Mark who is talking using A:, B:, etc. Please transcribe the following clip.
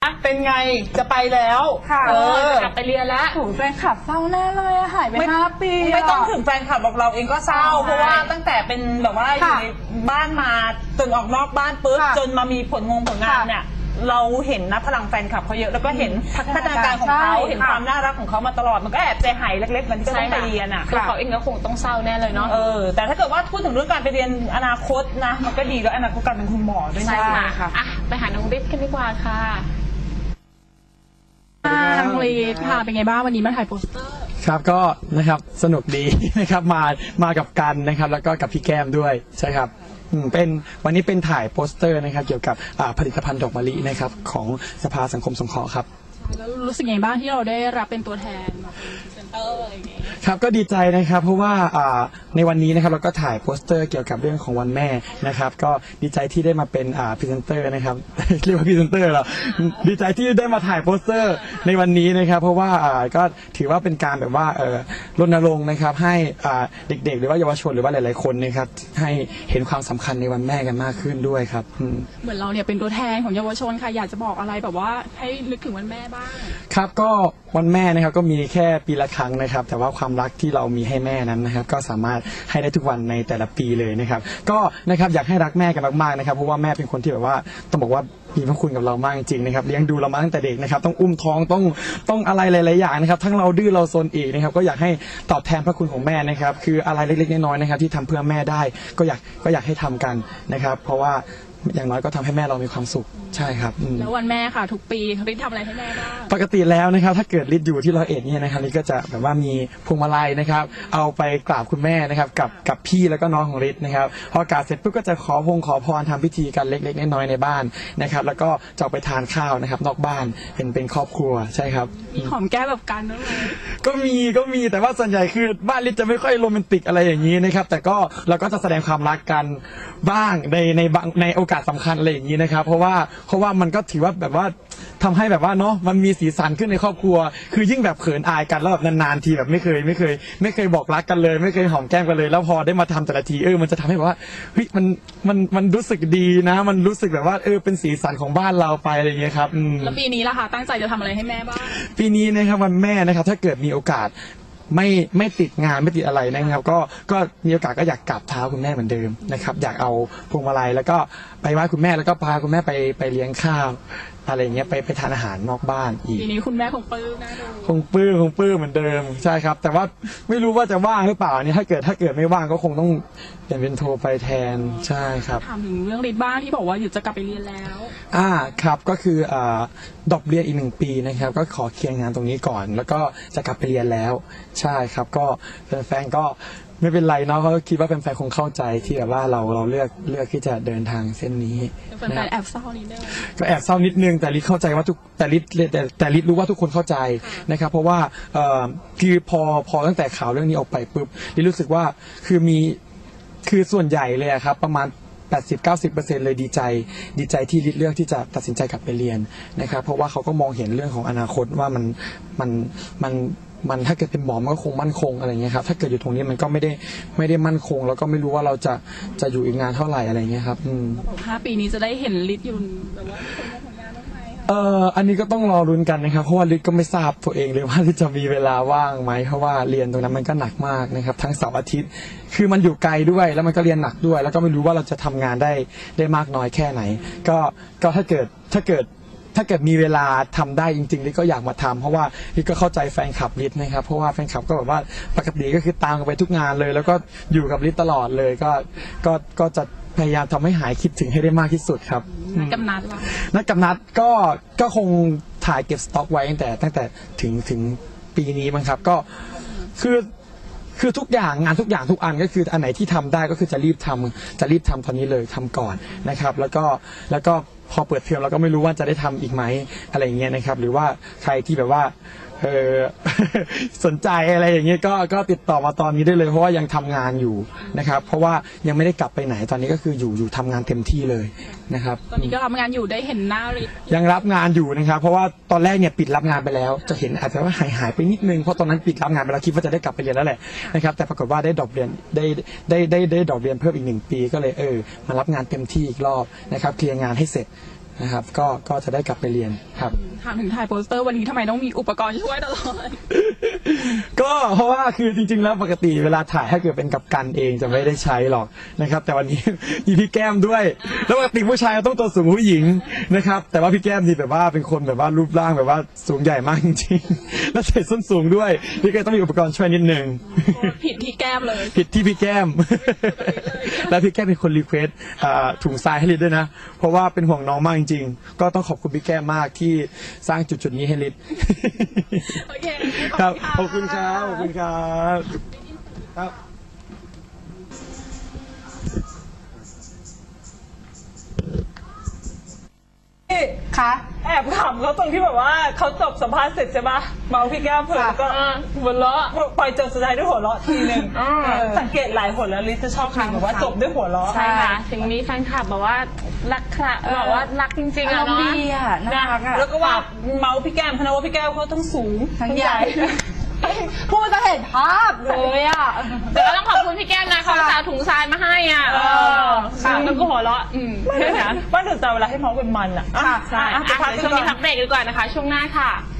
A: เป็นไงจะไปแล้ว
B: ค่ะ
C: กลับไปเรียนแล้ว
B: ถูกแฟนคลับเศร้าแน่เลยหายไป5 ปี
A: ไม่ต้องถึงแฟนคลับบอกเราเองก็เศร้าเพราะว่าตั้งแต่เป็นแบบว่าอยู่ในบ้านมาจนออกนอกบ้านปุ๊บจนมามีผลงานเนี่ยเราเห็นนะพลังแฟนคลับเขาเยอะแล้วก็เห็นพัฒนาการของเขาเห็นความน่ารักของเขามาตลอดมันก็แอบใจหายเล็กๆมันก็ต้องไปเรียนอ่ะ
C: คือเขาเองก็คงต้องเศร้าแน่เลยเนาะ
A: แต่ถ้าเกิดว่าพูดถึงเรื่องการไปเรียนอนาคตนะมันก็ดีแล้วอนาคตการเป็นคุณหมอด้วยนะ
C: ค่ะไปหาน้องฤทธิ์กันดีกว่าค่ะ
B: น้องฤทธิ์ค่ะเป็นไงบ้างวันนี้มาถ่ายโปสเตอร์
D: ครับก็นะครับสนุกดีนะครับมากับกันนะครับแล้วก็กับพี่แก้มด้วยใช่ครับเป็นวันนี้เป็นถ่ายโปสเตอร์นะครับเกี่ยวกับผลิตภัณฑ์ดอกมะลินะครับของสภาสังคมสงเคราะห์ครับ
B: แล้วรู้สึกยังไงบ้างที่เราได้รับเป็นตัวแทนมาเป็นพรีเซนเตอร์อะไรอย่างเงี้ย
D: ครับก็ดีใจนะครับเพราะว่าในวันนี้นะครับเราก็ถ่ายโปสเตอร์เกี่ยวกับเรื่องของวันแม่นะครับก็ดีใจที่ได้มาเป็นพรีเซนเตอร์นะครับเรียกว่าพรีเซนเตอร์เหรอดีใจที่ได้มาถ่ายโปสเตอร์ในวันนี้นะครับเพราะว่าก็ถือว่าเป็นการแบบว่ารณรงค์นะครับให้เด็กๆหรือว่าเยาวชนหรือว่าหลายๆคนนะครับให้เห็นความสำคัญในวันแม่กันมากขึ้นด้วยครับ
B: เหมือนเราเนี่ยเป็นตัวแทนของเยาวชนค่ะอยากจะบอกอะไรแบบว่าให้นึกถึงวันแม่บ้าง
D: ครับก็วันแม่นะครับก็มีแค่ปีละครั้งนะครับแต่ว่าความรักที่เรามีให้แม่นั้นนะครับก็สามารถให้ได้ทุกวันในแต่ละปีเลยนะครับก็นะครับอยากให้รักแม่กันมากๆนะครับเพราะว่าแม่เป็นคนที่แบบว่าต้องบอกว่ามีพระคุณกับเรามากจริงๆนะครับเลี้ยงดูเรามาตั้งแต่เด็กนะครับต้องอุ้มท้องต้องอะไรหลายๆอย่างนะครับทั้งเราดื้อเราซนอีกนะครับก็อยากให้ตอบแทนพระคุณของแม่นะครับคืออะไรเล็กๆน้อยๆนะครับที่ทำเพื่อแม่ได้ก็อยากให้ทำกันนะครับเพราะว่าอย่างน้อยก็ทำให้แม่เรามีความสุขใช่ครับ
B: แล้ววันแม่ค่ะทุกปีฤทธิ์ทำอะไรให้แม่บ้าง
D: ปกติแล้วนะครับถ้าเกิดฤทธิ์อยู่ที่101เนี่ยนะครับฤทธิ์ก็จะแบบว่ามีพวงมาลัยนะครับเอาไปกราบคุณแม่นะครับกับพี่แล้วก็น้องของฤทธิ์นะครับพอกราบเสร็จปุ๊บก็จะขอพรทำพิธีกันเล็กๆน้อยๆในบ้านนะครับแล้วก็จะไปทานข้าวนะครับนอกบ้านเป็นครอบครัวใช่ครับ
B: มีหอมแก้มแบบกันด้วยไหม
D: ก็มีแต่ว่าส่วนใหญ่คือบ้านฤทธิ์จะไม่ค่อยโรแมนติกอะไรอย่างนี้นะครับแต่ก็เราก็จะแสดงความรักกันบ้างในโอกาสสำคัญอะไรอย่างนี้นะครับเพราะว่ามันก็ถือว่าแบบว่าทำให้แบบว่าเนาะมันมีสีสันขึ้นในครอบครัวคือยิ่งแบบเขินอายกันแล้วแบบนานๆทีแบบไม่เคยบอกรักกันเลยไม่เคยหอมแก้มกันเลยแล้วพอได้มาทำแต่ละทีมันจะทำให้แบบว่าเฮ้ยมันรู้สึกดีนะมันรู้สึกแบบว่าเป็นสีสันของบ้านเราไปอะไรอย่างเงี้ยครับ
B: แล้วปีนี้ล่ะคะตั้งใจจะทำอะไรให้แม่บ้าง
D: ปีนี้นะครับวันแม่นะครับถ้าเกิดมีโอกาสไม่ติดงานไม่ติดอะไรนะครับก็มีโอกาสก็อยากกราบเท้าคุณแม่เหมือนเดิมนะครับอยากเอาพวงมาลัยแล้วก็ไปไหว้คุณแม่แล้วก็พาคุณแม่ไปเลี้ยงข้าวอะไรเงี้ยไปทานอาหารนอกบ้านอีก
B: ทีนี้คุณแม่คงปลื้มนะ
D: คงปลื้มเหมือนเดิมใช่ครับแต่ว่าไม่รู้ว่าจะว่างหรือเปล่าเนี่ยถ้าเกิดไม่ว่างก็คงต้องเปลี่ยนเป็นโทรไปแทนใช่ครับ
B: ถามถึงเรื่องฤทธิ์บ้างที่บอกว่าอยู่จะกลับไปเรียนแล้ว
D: ครับก็คือดรอปเรียนอีก1 ปีนะครับก็ขอเคลียร์งานตรงนี้ก่อนแล้วก็จะกลับไปเรียนแล้วใช่ครับก็แฟนก็ไม่เป็นไรเนาะเขาคิดว่าแฟนๆคงเข้าใจที่แบบว่าเราเลือกที่จะเดินทางเส้นนี้
B: แฟนๆแอบเศร้านิดนึง
D: ก็แอบเศร้านิดนึงแต่ลิศเข้าใจว่าแต่ลิศรู้ว่าทุกคนเข้าใจนะครับเพราะว่าคือพอตั้งแต่ข่าวเรื่องนี้ออกไปปุ๊บลิศรู้สึกว่าคือส่วนใหญ่เลยครับประมาณ80-90% เลยดีใจที่ลิศเลือกที่จะตัดสินใจกลับไปเรียนนะครับเพราะว่าเขาก็มองเห็นเรื่องของอนาคตว่ามันถ้าเกิดเป็นหมอมันก็คงมั่นคงอะไรเงี้ยครับถ้าเกิดอยู่ตรงนี้มันก็ไม่ได้มั่นคงแล้วก็ไม่รู้ว่าเราจะอยู่อีกนานเท่าไหร่อะไรเงี้ยครับ
B: 5 ปีนี้จะได้เห็นฤทธิ์อยู่แบบว่าผลงานบ้างไหม
D: อันนี้ก็ต้องรอรุ้นกันนะครับเพราะว่าฤทธิ์ก็ไม่ทราบตัวเองเลยว่าฤทธิ์จะมีเวลาว่างไหมเพราะว่าเรียนตรงนั้นมันก็หนักมากนะครับทั้งเสาร์อาทิตย์คือมันอยู่ไกลด้วยแล้วมันก็เรียนหนักด้วยแล้วก็ไม่รู้ว่าเราจะทำงานได้มากน้อยแค่ไหนก็ถ้าเกิดมีเวลาทำได้จริงๆลิศก็อยากมาทำเพราะว่าลิศก็เข้าใจแฟนคลับฤทธิ์นะครับเพราะว่าแฟนคลับก็แบบว่าปกติก็คือตามกันไปทุกงานเลยแล้วก็อยู่กับฤทธิ์ตลอดเลยก็จะพยายามทำให้หายคิดถึงให้ได้มากที่สุดครับ
B: นัดกับ
D: นัดก็คงถ่ายเก็บสต็อกไว้ตั้งแต่ถึงปีนี้มั้งครับก็คือทุกอย่างงานทุกอย่างทุกอันก็คืออันไหนที่ทำได้ก็คือจะรีบทำตอนนี้เลยทำก่อนนะครับแล้วก็พอเปิดเทอมเราก็ไม่รู้ว่าจะได้ทำอีกไหมอะไรอย่างเงี้ยนะครับหรือว่าใครที่แบบว่าสนใจอะไรอย่างเงี้ยก็ติดต่อมาตอนนี้ได้เลยเพราะว่ายังทำงานอยู่นะครับเพราะว่ายังไม่ได้กลับไปไหนตอนนี้ก็คืออยู่ทำงานเต็มที่เลยนะครับ
B: ตอนนี้ก็รับงานอยู่ได้เห็นหน้าฤทธิ์
D: ยังรับงานอยู่นะครับเพราะว่าตอนแรกเนี่ยปิดรับงานไปแล้วจะเห็นอาจจะว่าหายไปนิดนึงเพราะตอนนั้นปิดรับงานไปแล้วคิดว่าจะได้กลับไปเรียนแล้วแหละนะครับแต่ปรากฏว่าได้ดรอปเรียนได้ดรอปเรียนเพิ่มอีก1 ปีก็เลยมารับงานเต็มที่อีกรอบนะครับเคลียร์งานให้เสร็จนะครับก็จะได้กลับไปเรียนครับ
B: ถามถึงถ่ายโปสเตอร์วันนี้ทำไมต้องมีอุปกรณ์ช่วยตลอด
D: ก็เพราะว่าคือจริงๆแล้วปกติเวลาถ่ายถ้าเกิดเป็นกับกันเองจะไม่ได้ใช้หรอกนะครับแต่วันนี้ มีพี่แก้มด้วยแล้วปกติผู้ชายต้องตัวสูงกว่าผู้หญิงนะครับแต่ว่าพี่แก้มนี่แบบว่าเป็นคนแบบว่ารูปร่างแบบว่าสูงใหญ่มากจริงๆแล้วใส่ส้นสูงด้วยพี่ก็ต้องมีอุปกรณ์ช่วยนิดนึง
B: ผิดที่แก้มเลย
D: ผิดที่พี่แก้ม แล้วพี่แก้มเป็นคนรีเควสถุงทรายให้ลิศด้วยนะเพราะว่าเป็นห่วงน้องมากจริงๆก็ต้องขอบคุณพี่แก้มมากที่สร้างจุดๆนี้ให้ลิศ
B: โอเค
D: ครับขอบคุณครับขอบคุณครับครับ
E: ค่ะ
A: แอบขำเขาตรงที่แบบว่าเขาจบสัมภาษณ์เสร็จใช่ปะเมาพี่แก้มเพิ่นก็หัวเราะปล่อยจบสุดท้ายด้วยหัวเราะทีนึงสังเกตหลายคนแล้วลิซจะชอบคำแบบว่าจบด้วยหัวเราะ
C: ใช่ค่ะ ถึงมีแฟนคลับบอกว่ารักค่ะบอกว่ารักจริงๆอะเนาะ
E: ดีอ่ะน่ารักอ่ะ
A: แล้วก็ว่าเมาพี่แก้มเพราะว่าพี่แก้มเขาต้องสูง
E: ทั้งใหญ่ พูดจะเห็นภาพเลยอ่ะ
C: แต่ก็ต้องขอบคุณพี่แก้มนะเขาจะเอาถุงทรายมาให้อ่ะแล้วก็หัวเราะ
A: ไม่นะว่าแต่เวลาให้เมาเป็นมันอ่ะ
C: ใช่
A: ไปพัก
C: เดี๋ยวช่วงนี้พักเบรกดีกว่านะคะ ช่วงหน้าค่ะ